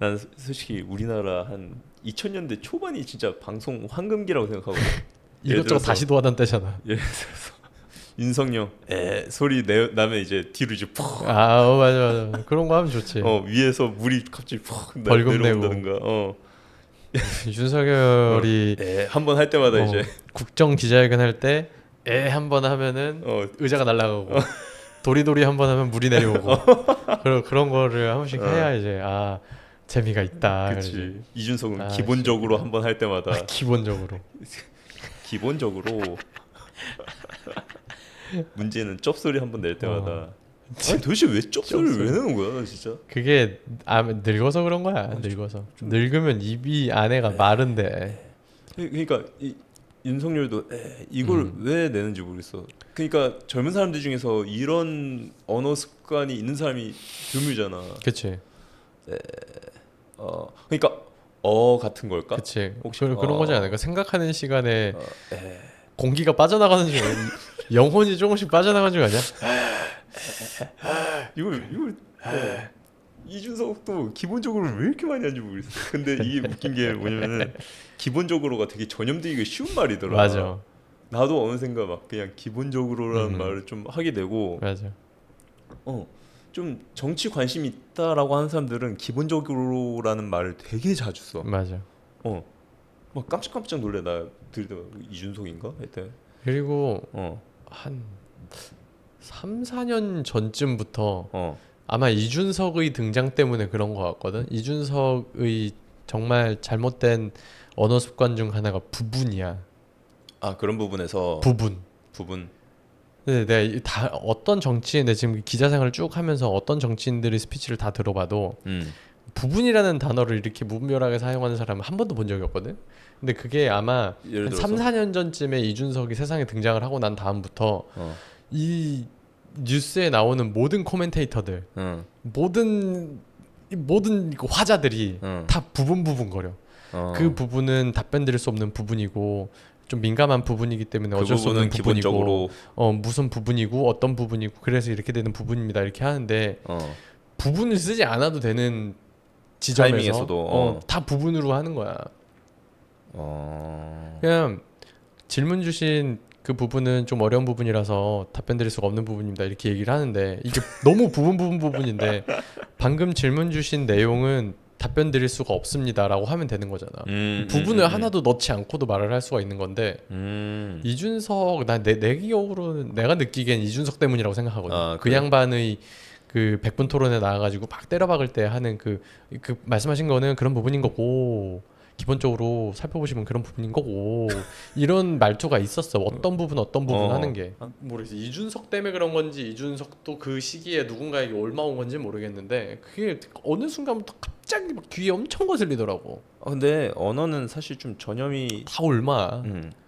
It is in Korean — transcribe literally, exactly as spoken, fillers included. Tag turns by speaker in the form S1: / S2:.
S1: 난 솔직히 우리나라 한 이천 년대 초반이 진짜 방송 황금기라고 생각하거든.
S2: 이것저것 다시 도하던 때잖아.
S1: 예를 들어서 윤석열 에 소리 내 나면 이제 뒤로 이제 푹.
S2: 아 어, 맞아 맞아. 그런 거 하면 좋지.
S1: 어 위에서 물이 갑자기 푹
S2: 벌금
S1: 내려온다든가. 어.
S2: 윤석열이
S1: 어, 에 한 번 할 때마다
S2: 어,
S1: 이제
S2: 국정 기자회견 할 때 에 한 번 하면은
S1: 어
S2: 의자가 날아가고 도리도리 한 번 하면 물이 내려오고 그런 그런 거를 한 번씩
S1: 어.
S2: 해야 이제 아 재미가 있다.
S1: 그렇지.
S2: 그러지.
S1: 이준석은
S2: 아,
S1: 기본적으로 한 번 할 때마다
S2: 아, 기본적으로
S1: 기본적으로 문제는 쩝소리 한 번 낼 때마다
S2: 어.
S1: 아니 도대체 왜 쩝소리를
S2: 쩝소리.
S1: 왜 내는 거야 진짜.
S2: 그게 아 늙어서 그런 거야. 늙어서 늙으면 입이 안에가 마른데.
S1: 그러니까 이, 윤석열도 에, 이걸
S2: 음.
S1: 왜 내는지 모르겠어. 그러니까 젊은 사람들 중에서 이런 언어 습관이 있는 사람이 드물잖아.
S2: 그치
S1: 어 그러니까 어 같은 걸까?
S2: 그치
S1: 혹시-
S2: 그, 그런
S1: 어.
S2: 거지 않을까. 생각하는 시간에
S1: 어, 에.
S2: 공기가 빠져나가는 중 영혼이 조금씩 빠져나가는 중 아니야?
S1: 이걸 이걸 어, 이준석도 기본적으로 왜 이렇게 많이 하는지 모르겠어. 근데 이게 웃긴 게 뭐냐면은 기본적으로가 되게 전염되기가 쉬운 말이더라.
S2: 맞아
S1: 나도 어느샌가 막 그냥 기본적으로라는
S2: 음.
S1: 말을 좀 하게 되고
S2: 맞아
S1: 어 좀 정치 관심 있다라고 하는 사람들은 기본적으로라는 말을 되게 자주 써.
S2: 맞아.
S1: 어. 막 깜짝깜짝 놀래. 나 들을 때 이준석인가 했대.
S2: 그리고
S1: 어.
S2: 한 삼, 사 년 전쯤부터
S1: 어.
S2: 아마 이준석의 등장 때문에 그런 것 같거든. 이준석의 정말 잘못된 언어 습관 중 하나가 부분이야.
S1: 아 그런 부분에서
S2: 부분.
S1: 부분.
S2: 근데 내가 이- 다 어떤 정치인, 내 지금 기자 생활을 쭉 하면서 어떤 정치인들의 스피치를 다 들어봐도
S1: 음.
S2: 부분이라는 단어를 이렇게 무분별하게 사용하는 사람은 한 번도 본 적이 없거든. 근데 그게 아마
S1: 예를
S2: 한
S1: 들어서
S2: 삼, 사 년 전쯤에 이준석이 세상에 등장을 하고 난 다음부터
S1: 어.
S2: 이 뉴스에 나오는 모든 코멘테이터들,
S1: 응.
S2: 모든 이 모든 그 화자들이
S1: 응.
S2: 다 부분 부분 거려.
S1: 어.
S2: 그 부분은 답변 드릴 수 없는 부분이고 좀 민감한 부분이기 때문에
S1: 그
S2: 어쩔 수 없는
S1: 부분은
S2: 부분이고
S1: 기본적으로
S2: 어 무슨 부분이고 어떤 부분이고 그래서 이렇게 되는 부분입니다 이렇게 하는데
S1: 어.
S2: 부분을 쓰지 않아도 되는 지점에서
S1: 타이밍에서도,
S2: 어,
S1: 어.
S2: 다 부분으로 하는 거야.
S1: 어.
S2: 그냥 질문 주신 그 부분은 좀 어려운 부분이라서 답변 드릴 수가 없는 부분입니다 이렇게 얘기를 하는데 이게 너무 부분 부분 부분인데 방금 질문 주신 내용은 답변 드릴 수가 없습니다라고 하면 되는 거잖아.
S1: 음,
S2: 부분을
S1: 음, 음,
S2: 하나도 넣지 않고도 말을 할 수가 있는 건데
S1: 음.
S2: 이준석 나내 내 기억으로는 내가 느끼기엔 이준석 때문이라고 생각하거든.
S1: 아,
S2: 그
S1: 그래?
S2: 양반의 그 백분 토론에 나와가지고 막 때려박을 때 하는 그, 그 말씀하신 거는 그런 부분인 거고 기본적으로 살펴보시면 그런 부분인 거고 이런 말투가 있었어. 어떤 부분 어떤 부분
S1: 어.
S2: 하는 게 모르겠어. 이준석 때문에 그런 건지 이준석도 그 시기에 누군가에게 올마온 건지 모르겠는데 그게 어느 순간부터 갑자기 막 귀에 엄청 거슬리더라고.
S1: 아, 근데 언어는 사실 좀 전염이
S2: 다 올마.
S1: 음.